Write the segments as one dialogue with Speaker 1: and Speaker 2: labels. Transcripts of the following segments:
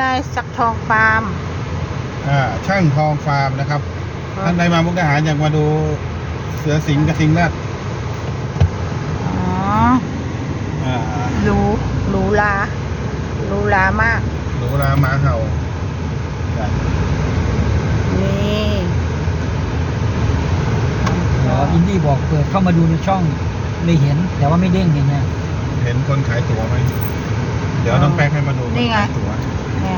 Speaker 1: ไงสักทองฟาร์ม
Speaker 2: ช่างทองฟาร์มนะครับท่านใดมามุกดาหารอยากมาดูเสือสิงห์กระทิงแรด
Speaker 1: หรูหรามาก
Speaker 2: หรูหราหมาเห่า
Speaker 1: นี่
Speaker 3: อินดี้บอกเปิดเข้ามาดูในช่องไม่เห็นแต่ว่าไม่เด้งเห็นไง
Speaker 2: เห็นคนขายตั๋วไหมเดี๋ยวต้องแป้งให้มาดูคนขายตั๋ว
Speaker 1: เนี่ย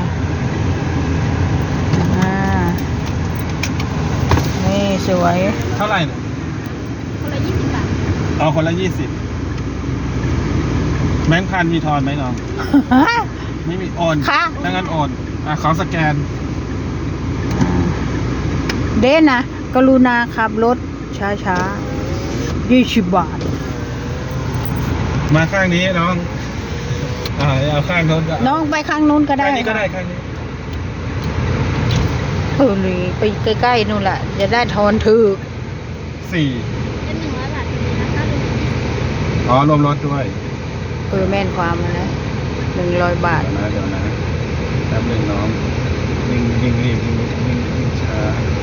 Speaker 1: นี่สวย
Speaker 2: เท่าไหร่
Speaker 4: คนละ20 บาท
Speaker 2: คนละ20แบงค์พันมีทอนไหมน้องไม่มีโอน
Speaker 1: ค่ะ
Speaker 2: ถ้างั้นโอนขอสแกน
Speaker 1: เด่นนะกรุณาขับรถช้า20 บาท
Speaker 2: มาข้างนี้น้องเอาข้างโน้น
Speaker 1: น้องไปข้างนู้นก็ได้
Speaker 2: ข้างนี้ก็ได้ข้างนี้
Speaker 1: เลยไปใกล้ๆนู่นแหละจะได้ทอนถือ
Speaker 2: 4
Speaker 4: เป็น100 บาทนะคะ
Speaker 2: รวมรถด้วย
Speaker 1: แม่นความนะ100 บาท
Speaker 2: เดี๋ยวนะแป๊บนึงน้องยิงรีบยิงช้า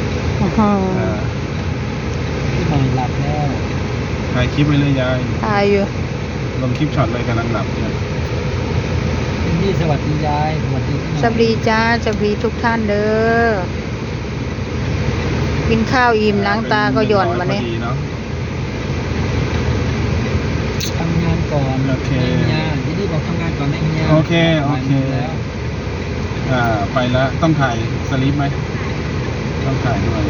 Speaker 3: ที่นอนหลับแล้ว
Speaker 2: ถ่ายคลิปไปเลยยาย
Speaker 1: ถ่ายอยู่
Speaker 2: ลงคลิปช็อตเลยกำลังหลับเนี่ย
Speaker 3: นี่สวัสดียายสวัสดี
Speaker 1: จ้าสวัสดีทุกท่านเด้อกินข้าวอิ่มล้างตาก็หย่อนมาเนี่ย
Speaker 3: ทำงานก่อน
Speaker 2: โอเค
Speaker 3: อินดี้บอกทำงานก่อนนะอินดี้
Speaker 2: โอเคไปแล้วต้องถ่ายสลิปไหมต้องถ่ายด้วย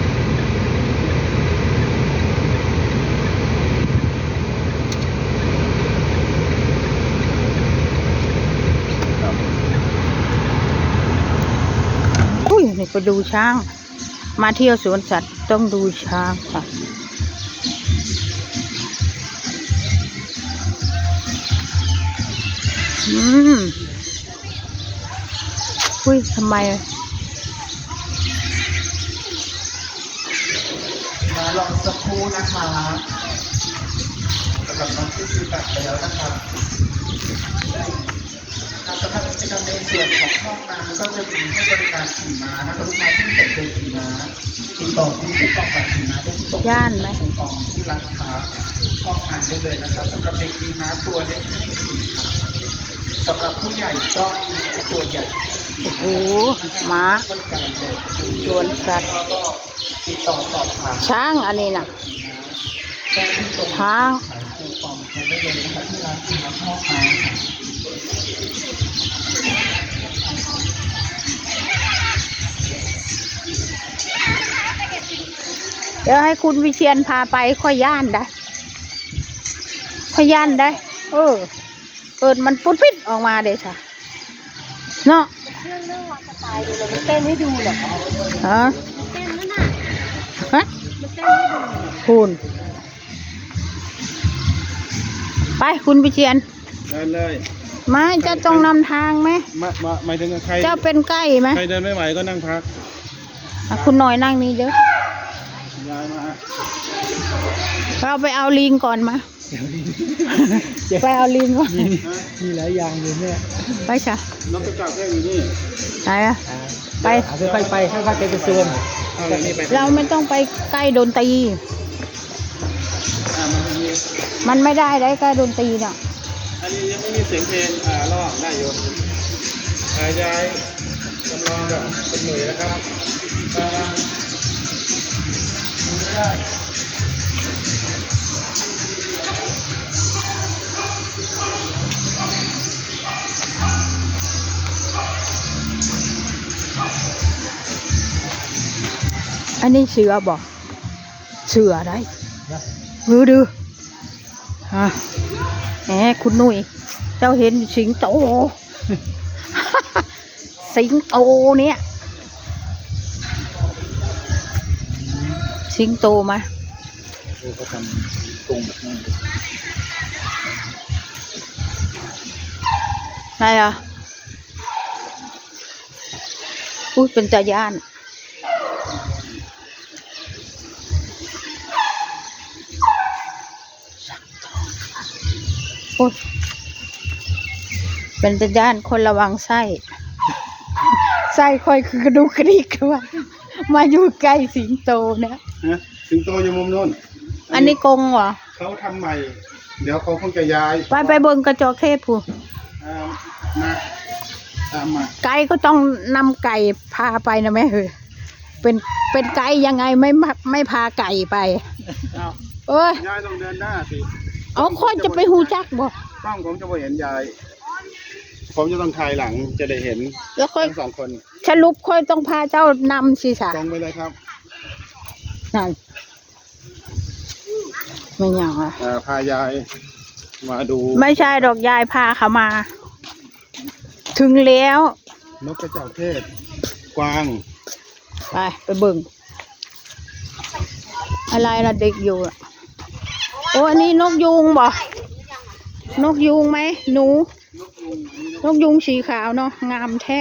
Speaker 1: นี่ไปดูช้างมาเที่ยวสวนสัตว์ต้องดูช้างค่ะทำไม
Speaker 2: มาลองสักครู่นะคะสำหรับน้องที่ซื้อบัตรไปแล้วนะครับสำหรับกิจกรรมในส่วนของห้องน้ำก็จะมีให้บริการขี่ม้านะครับลูกค้าที่สนใจขี่ม้าติดต่อที่ผู้ประกอบการขี่ม้าได้ที่ตรง
Speaker 1: ย่านไหม
Speaker 2: ของที่ร้านค้าห้องอ่านได้เลยนะครับสำหรับเด็กขี่ม้าตัวเล็กสำหรับผู้ใหญ่ก็มีตัวใหญ่
Speaker 1: โอ้โหม้าสวนสัตว์
Speaker 2: ติดต่อสอบถาม
Speaker 1: ช้างอันนี้นะช้างเดี๋ยวให้คุณวิเชียรพาไปค่อยย่านได้เปิดมันปุ๊ดปิดออกมาเดี๋ยวค่ะเนาะ
Speaker 4: เรื่องวางสไตล์ดูเลยมันเต้นให้ดูเหรอเต้นนั่นน่ะมันเต้นให้ดู
Speaker 1: คุณไปคุณวิเชียร
Speaker 2: เดินเลย
Speaker 1: ไม่จะต้องนำทางไหม
Speaker 2: ไม่ถึงใคร
Speaker 1: เจ้าเป็นใกล้ไหม
Speaker 2: ใครเดินไม่ไหวก็นั่งพัก
Speaker 1: คุณหน่อยนั่งนี่เด้อ
Speaker 2: ย้ายมา
Speaker 1: เราไปเอาลิงก่อนมาไปเอาลิงก่อน
Speaker 3: มีหลายอย่างอยู่เนี่ย
Speaker 1: ไปจ้ะ
Speaker 2: น้องกระจับแค่อยู่นี่
Speaker 1: ไหนอะไป
Speaker 3: ค่อยๆไปเป็นโซน
Speaker 1: เราไม่ต้องไปใกล้ดนตรีมันไม่ได้ใกล้ดนตรีเนาะ
Speaker 2: อันนี้ยังไม่มีเสียงเพลงร้องได้อยู่ยายจำลองแบบเป็นหน่วยนะครับ
Speaker 1: อันนี้เสือบอกเสือได้ดูแหมคุณนุ้ยเจ้าเห็นสิงโตเนี่ยสิงโตมา
Speaker 3: เขาทำตรงแบบนั้น
Speaker 1: อะไรอ่ะเป็นตาย่านเป็นตาย่านคนระวังไส้ใส่คอยคือกระดูกกระดิกว่ามาอยู่ใกล้สิงโตเนี่ย
Speaker 2: ฮะสิงโตอยู่มุมโน้น
Speaker 1: อันนี้กรงเหรอ
Speaker 2: เขาทำใหม่ เดี๋ยวเขาคงจะย้าย
Speaker 1: ไปเบิ่งกระจอกเทศผู้
Speaker 2: มาตามมา
Speaker 1: ไก่ก็ต้องนำไก่พาไปนะแม่เฮ้ยเป็นไก่ยังไงไม่พาไก่ไป
Speaker 2: เอา
Speaker 1: เอ้ย
Speaker 2: ยายต้องเดินหน้าสิ
Speaker 1: เอาค่อยจะไปหูจักบ่
Speaker 2: กล้องผมจะไม่เห็นยาย ผมจะต้องถ่ายหลังจะได้เห็น
Speaker 1: แล้วค่อย
Speaker 2: ทั้งสองคน
Speaker 1: สรุปค่อยต้องพาเจ้านำสิสะ
Speaker 2: ตรงไปเลยครับ
Speaker 1: นั่นไม่อยากอ่ะ
Speaker 2: พายายมาดู
Speaker 1: ไม่ใช่ดอกยายพาเขามา ถึงแล้ว
Speaker 2: นกกระจอกเทศ กวาง
Speaker 1: ไปเบิ่งอะไรล่ะเด็กอยู่อะโอ้อันนี้นกยูงบ่นกยูงไหมหนู นกยูงสีขาวเนาะงามแท้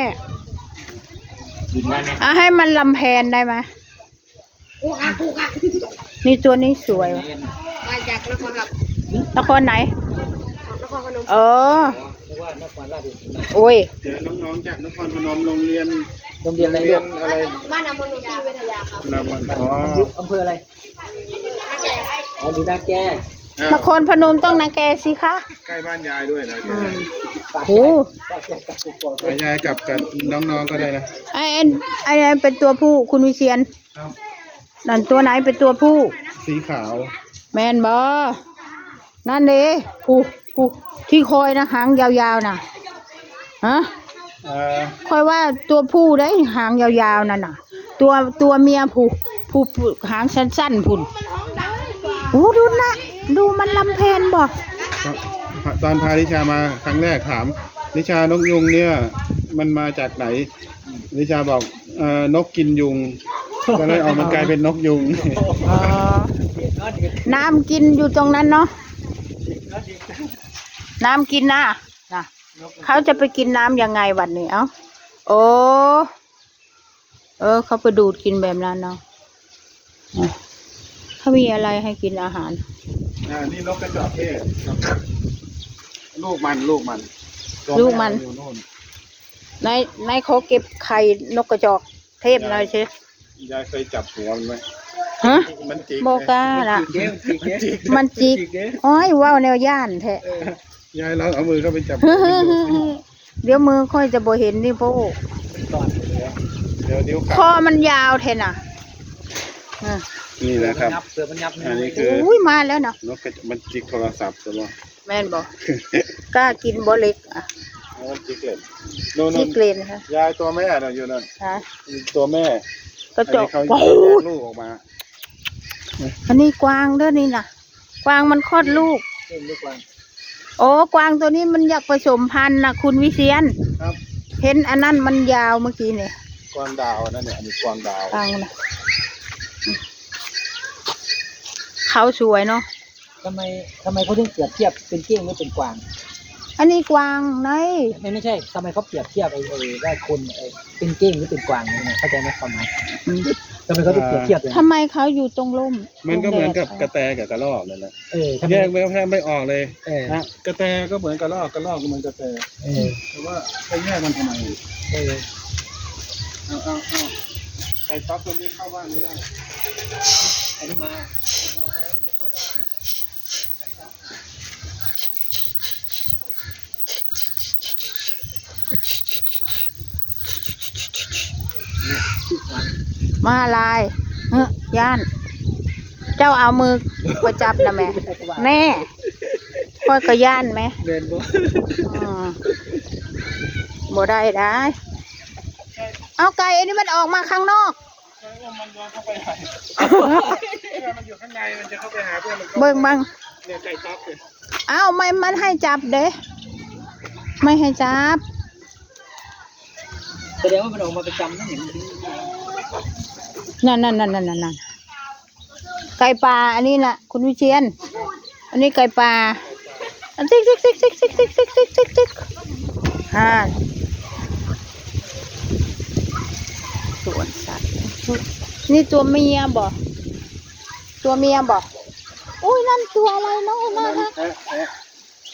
Speaker 1: ให้มันลำแพนได้ไหมนี่ตัวนี้สวยวะ
Speaker 4: มาจากนครกับ
Speaker 1: นครไหน
Speaker 4: นครพนม
Speaker 1: เออโอ้ย
Speaker 2: เจอน้องๆจากนครพนมโรงเรียน
Speaker 3: อะไร
Speaker 2: เรียนอะไร
Speaker 4: บ้านอำเภอหนองวิทยาครับ
Speaker 2: นำมันอ๋อ
Speaker 3: อำเภออะไรอ๋อดูนาแก
Speaker 1: นครพนมต้องนาแกสิคะ
Speaker 2: ใกล้บ้านยายด้วยนะ
Speaker 1: โอ้
Speaker 2: ยายกับน้องๆก็ได้นะ
Speaker 1: ไอ้เป็นตัวผู้คุณวิเชียน
Speaker 2: ครับ
Speaker 1: นั่นตัวไหนเป็นตัวผู้
Speaker 2: สีขาว
Speaker 1: แมนบอนั่นเด้ผู้ที่คอยนะหางยาวๆน่ะฮะคอยว่าตัวผู้ได้หางยาวๆนั่นน่ะ ตัวเมียผู้หางสั้นๆพุ่นโอ้ดูนะดูมันลำเพนบ่
Speaker 2: ตอนพานิชามาครั้งแรกถามนิชานกยุงเนี่ย มันมาจากไหนนิชาบอกนกกินยุงก็เลยออกมากลายเป็นนกยุง
Speaker 1: อ๋อน้ำกินอยู่ตรงนั้นเนาะน้ำกินนะเขาจะไปกินน้ำยังไงวันนี้เอ้าโอ้เขาไปดูดกินแบบนั้นเนาะเขามีอะไรให้กินอาหาร
Speaker 2: นี่นกกระจอกเทศลูกมันอยู่นู่น
Speaker 1: นายเขาเก็บไข่นกกระจอกเทศหน่อยสิ
Speaker 2: ยายเคยจับหัวมันไหม
Speaker 1: ฮะ
Speaker 2: มันจิก
Speaker 1: โบกล้าล่ะ มันจิกอ้อยว้าวแนวย่านแท้
Speaker 2: ยายเราเอามือเข้าไปจับ
Speaker 1: เดี๋ยวมือค่อยจะบ่เห็นนี่พ่อ
Speaker 2: เดี๋ยวนิ้ว
Speaker 1: คอมันยาวแท้น่ะ
Speaker 2: นี่แหละครับ
Speaker 3: เสือมันยับ
Speaker 2: อันนี้คือ
Speaker 1: อุ้ยมาแล้วเนาะ
Speaker 2: นกกระจอกมันจิกโทรศัพท์ใช่ไหม
Speaker 1: แม่นบอกกล้ากินบ่เล็กอ่ะ
Speaker 2: มันจิกเลยโน่น
Speaker 1: จิกเลนค่ะ
Speaker 2: ยายตัวแม่น่ะอยู่นั่น
Speaker 1: ฮะ
Speaker 2: ตัวแม่
Speaker 1: กระจก
Speaker 2: เขา
Speaker 1: โอ้
Speaker 2: แย
Speaker 1: โห
Speaker 2: กลูกออกมา
Speaker 1: อันนี้กวางเด้อนี่น่ะ กวางมันคลอดลูก โอ้กวางตัวนี้มันอยากผสมพันธุ์นะคุณวิเชียน
Speaker 2: ครับ
Speaker 1: เห็นอันนั้นมันยาวเมื่อกี้เนี่ย
Speaker 2: กวางดาวนั่นเนี่ยอันนี้กวางดาว
Speaker 1: กวางนะเขาสวยเนาะ
Speaker 3: ทำไมเขาถึงเปรียบเทียบเป็นเก้งไม่เป็นกวาง
Speaker 1: อันนี้กวางไหน
Speaker 3: ไม่ใช่ทำไมเขาเปรียบเทียบไอ้ว่าคนเป็นเก้งหรือเป็นกวางเนี่ยเข้าใจไหมความหมายทำไมเขาถึงเปรียบเทียบอย่าง
Speaker 1: ทำไมเขาอยู่ตรงร่ม
Speaker 2: มันก็เหมือนกับกระแตกับกระรอกนั่นแหละ
Speaker 3: ทำไม
Speaker 2: แยกไม่ออกเลย
Speaker 3: นะ
Speaker 2: กระแตก็เหมือนกระรอกก็เหมือนกระแตแต่ว่าไปแยกมันทำไมเอาไก่ต๊อกตัวนี้เข้าบ้านไม่ได้
Speaker 3: อันนี้มา
Speaker 1: มาลายย่าน เจ้าเอามือไปจับนะแม่แน่ค่อยก็ย่านไหม
Speaker 3: เดินบ่
Speaker 1: บ่ได้ เอาไก่อันนี้มันออกมาข้างนอก
Speaker 2: มันย้อนเข้าไปไหนมันอยู่ข้างในมันจะเข้าไปหาเพื่อนมัน
Speaker 1: เบิ่งบัง
Speaker 2: เนี่ยไก่ต๊อกเลย
Speaker 1: เอาไม่มันให้จับเด้ไม่ให้จับ
Speaker 3: แสดงว่ามันออกมาประจำนั่นเห็น
Speaker 1: นั่นไก่ป่าอันนี้น่ะ คุณวิเชียน อันนี้ไก่ป่าอันติ๊กสวนสัตว์นี่ตัวเมียบ่อุ้ยนั่นตัวอะไรน้อยน่ารัก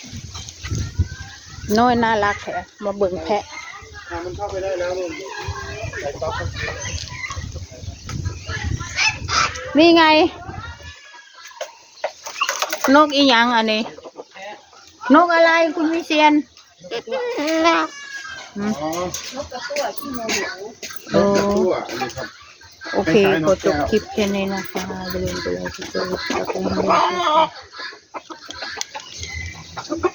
Speaker 1: น้อยน่ารักแท้มาเบิ่งแพะ
Speaker 2: มันเข้าไปได้แล้วลุง
Speaker 1: นี่ไง นกอีหยังอันนี้ นกอะไรคุณวิเชียน
Speaker 2: อ๋อน
Speaker 4: กกระตั้วที่โมโห
Speaker 1: โอ้
Speaker 2: ตัวอันนี้ครับ
Speaker 1: โอเคขอจบคลิปแค่นี้นะคะอย่าลืมกดไลค์กดแชร์กดติดตาม